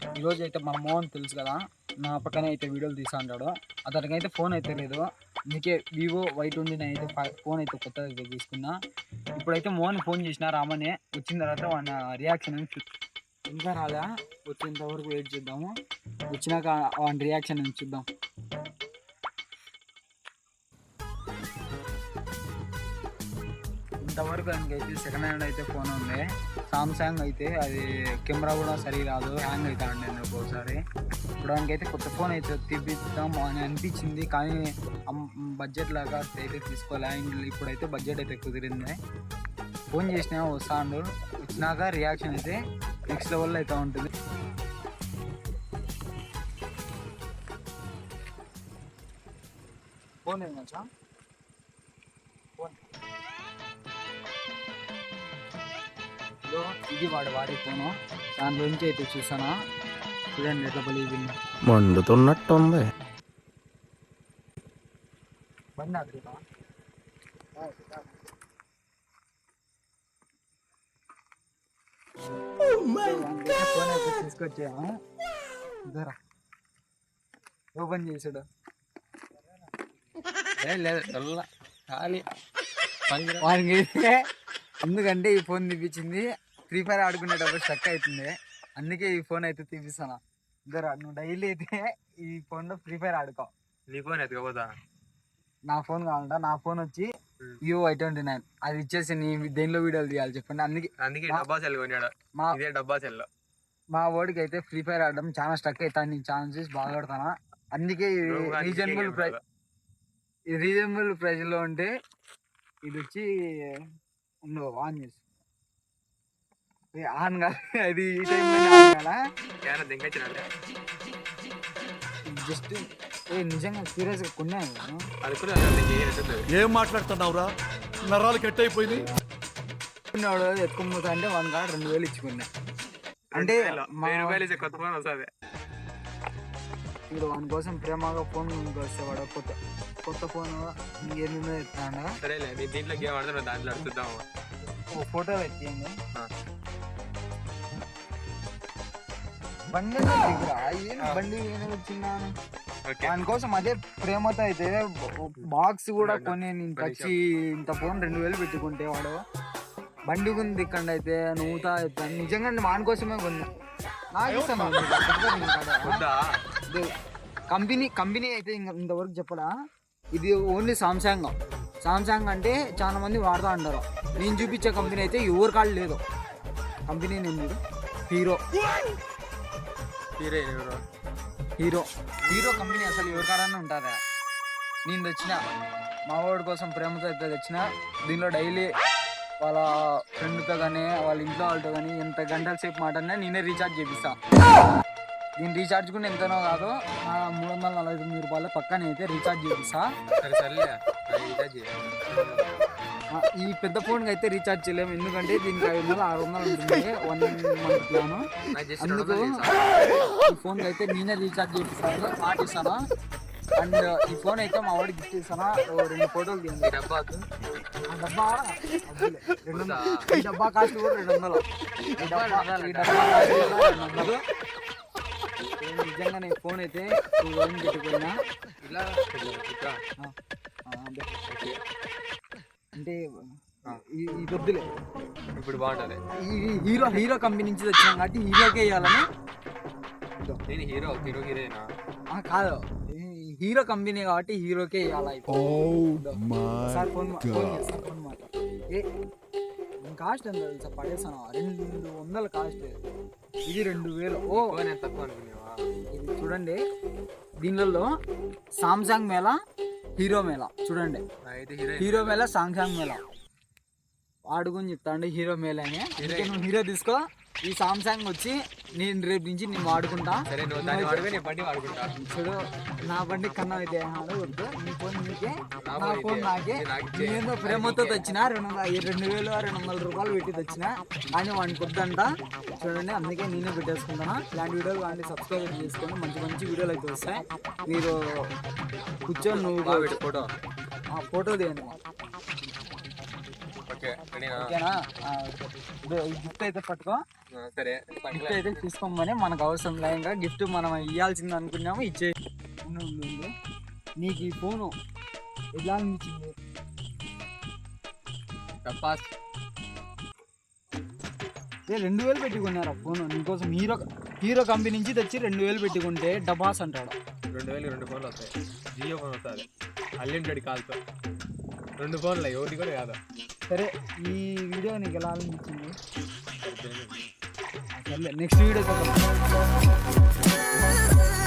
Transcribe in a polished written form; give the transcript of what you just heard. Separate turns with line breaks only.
ఈరోజు అయితే మన మోహన్ తెలుసు కదా, నా పక్కనే అయితే వీడియోలు తీసా అంటాడు. అతనికి అయితే ఫోన్ అయితే లేదు, అందుకే వివో Y29 అయితే ఫోన్ అయితే కొత్తగా తీసుకున్నా. ఇప్పుడైతే మోహన్ ఫోన్ చేసిన రామనే, వచ్చిన తర్వాత వాడి రియాక్షన్ ఇంకా రాలే, వచ్చేంత వరకు వెయిట్ చేద్దాము. వచ్చినాక వాడి రియాక్షన్ చూద్దాం. ఇంతవరకు ఆయనకైతే సెకండ్ హ్యాండ్ అయితే ఫోన్ ఉంది. సామ్సంగ్ అయితే అది కెమెరా కూడా సరిగా రాదు, హ్యాంగ్ అవుతా ఉండే ఒక్కోసారి. ఇప్పుడు ఆయనకైతే కొత్త ఫోన్ అయితే తీపిద్దాం అని అనిపించింది, కానీ బడ్జెట్ లాగా అయితే తీసుకోలే. ఇప్పుడైతే బడ్జెట్ అయితే కుదిరింది. ఫోన్ చేసినా వస్తాడు, వచ్చినాక రియాక్షన్ అయితే నెక్స్ట్ లెవెల్లో అయితే ఉంటుంది. ఫోన్ ఏమచ్చా ఫోన్ ఇది వాడే ఫోను, దాని గురించి అయితే చూసానా. చూడండి ఎట్లా బలిగి
మండుతున్నట్టుంది.
బండి ఆడుతా ఫోన్ అయితే తీసుకొచ్చాము. ఇద్దరా ఓపెన్ చేసాడు, వానికి అయితే ఎందుకంటే ఈ ఫోన్ తీపించింది ఫ్రీ ఫైర్ ఆడుకునేటప్పుడు స్టక్ అవుతుంది, అందుకే ఈ ఫోన్ అయితే తీపిస్తాను. ఇద్దరు నువ్వు డైలీ అయితే ఈ ఫోన్లో ఫ్రీ ఫైర్ ఆడుకో.
నీ ఫోన్ ఎత్తుకోపోతా,
నా ఫోన్ కావాలంట. నా ఫోన్ వచ్చి వివో Y29, అది ఇచ్చేసి నీ దేనిలో వీడియోలు తీయాలి చెప్పండి.
అందుకే డబ్బా సెల్ కొన్నాడు, ఇదే డబ్బా సెల్.
మా వాడికి అయితే ఫ్రీ ఫైర్ ఆడడం చాలా స్టక్ అవుతాను, నీకు ఛాన్స్ చేసి బాగా ఆడతానా. అందుకే రీజనబుల్ ప్రైస్ లో ఉంటే ఇది వచ్చి ఉండవు ఆన్ చేసి ఆన్ కాదు, అది ఈ టైంలో ఆన్ కాదా జస్ట్ నిజంగా సీరియస్ గా కొన్నాను.
ఏం మాట్లాడుతున్నావురా, నరాలు కట్ అయిపోయింది.
కొన్నాడు ఎత్తుకుపోతా అంటే 1 కాడ 2000 ఇచ్చుకున్నా. అంటే
కొత్త ఫోన్ వస్తుంది.
ఇప్పుడు వాని కోసం ప్రేమగా ఫోన్ వస్తేవాడు కొత్త ఫోన్ ఏమేమో ఎత్తాడు.
సరేలే, నీ దీంట్లో గేమ్ ఆడుతున్నా, దాంట్లో అడుగుదాము.
ఓ ఫోటో ఎత్తింది బండి బండి వచ్చిన్నాను దానికోసం. అదే ప్రేమతో అయితే బాక్స్ కూడా కొని నేను వచ్చి ఇంత ఫోన్ 2000 పెట్టుకుంటే వాడు బండి ఉంది ఇక్కడ అయితే నవ్వుతా ఎత్తాను. నిజంగా వాని కోసమే కొన్నా. నాకు ఇష్టం కంపెనీ అయితే ఇంతవరకు చెప్పడా. ఇది ఓన్లీ సామ్సంగ్ అంటే చాలా మంది వాడుతూ అంటారు. నేను చూపించే కంపెనీ అయితే ఎవరి కాళ్ళు లేదు. కంపెనీ నేను హీరో కంపెనీ అసలు ఎవరి కాడన్నా ఉంటారా. నేను తెచ్చిన మా వాడి కోసం ప్రేమతో అయితే తెచ్చిన. దీనిలో డైలీ వాళ్ళ ఫ్రెండ్తో కానీ వాళ్ళ ఇంట్లో వాళ్ళతో కానీ ఎంత గంటల సేపు మాట్లాడినా నేనే రీఛార్జ్ చేపిస్తా. దీని రీఛార్జ్ కూడా ఎంతనో కాదు, 349 రూపాయలు పక్కన అయితే రీఛార్జ్ చేపిస్తా. ఈ పెద్ద ఫోన్కి అయితే రీఛార్జ్ చేయలేము, ఎందుకంటే దీనికి 500-600 ఉంటుంది 1 మంత్ ప్లాను. అందుకు ఈ ఫోన్కి అయితే నేనే రీఛార్జ్ చేపిస్తాను, పాటిస్తాను. అండ్ ఈ ఫోన్ అయితే మా వాడికి గిఫ్ట్ ఇస్తాను. 2 ఫోటోలు తీయండి. ఈ డబ్బా కాస్ట్ కూడా 200. ఈ డబ్బా కాస్ట్ కూడా 200. నిజంగా నేను ఫోన్ అయితే 2000 పెట్టుకున్నా. అంటే ఈ పొద్దులే
ఇప్పుడు బాగుంటుంది.
హీరో కంపెనీ నుంచి తెచ్చాను కాబట్టి హీరోకే వేయాలని. కాదు, హీరో కంపెనీ కాబట్టి హీరోకే వేయాలి. కాస్ట్ ఎంత తెలుసా, పడేసాను 200 కాస్ట్. ఇది 2000. ఇది చూడండి, దీనిలో సామ్సంగ్ మేళ, హీరో మేళ చూడండి. హీరో మేళ, సామ్సంగ్ మేళ వాడుకొని చెప్తాండి. హీరో మేళ అని. నువ్వు హీరో తీసుకో, ఈ సామ్సంగ్ వచ్చి నేను రేపు నుంచి నేను వాడుకుంటా. చూడు, నా బండి కన్నా అయితే వద్దు, నీ ఫోన్ నీకే, నా ఫోన్ నాకే. నేను ప్రేమతో తెచ్చిన 2200-200 రూపాయలు పెట్టి తెచ్చిన, కానీ వాడికి వద్దంట. చూడండి, అందుకే నేనే పెట్టేసుకుంటాను. ఇలాంటి వీడియోలు కానీ సబ్స్క్రైబ్ చేసుకొని మంచి వీడియోలు అయితే వస్తాయి. మీరు కూర్చొని నువ్వు ఫోటో తీయండి.
ఓకే రెడీనా
ఓకేనా ఇదో ఈ గిఫ్ట్ అయితే పట్టుకో.
సరే
గిఫ్ట్ అయితే తీసుకోమని మనకు అవసరం లేక గిఫ్ట్ మనం ఇవ్వాల్సింది అనుకున్నాము ఇచ్చే. నీకు ఈ ఫోను ఎలా అనిపించింది?
టపాస్
2000 పెట్టుకున్నారు ఆ ఫోన్ నీకోసం. హీరో కంపెనీ నుంచి తెచ్చి 2000 పెట్టుకుంటే డబాస్ అంటాడు.
2000 2 ఫోన్లు వస్తాయి. జియో ఫోన్ వస్తుంది అన్లిమిటెడ్ కాల్తో. 2 ఫోన్లు ఒకటి కూడా కాదు.
సరే ఈ వీడియో నీకు ఎలా అనిపించింది? సరే నెక్స్ట్ వీడియో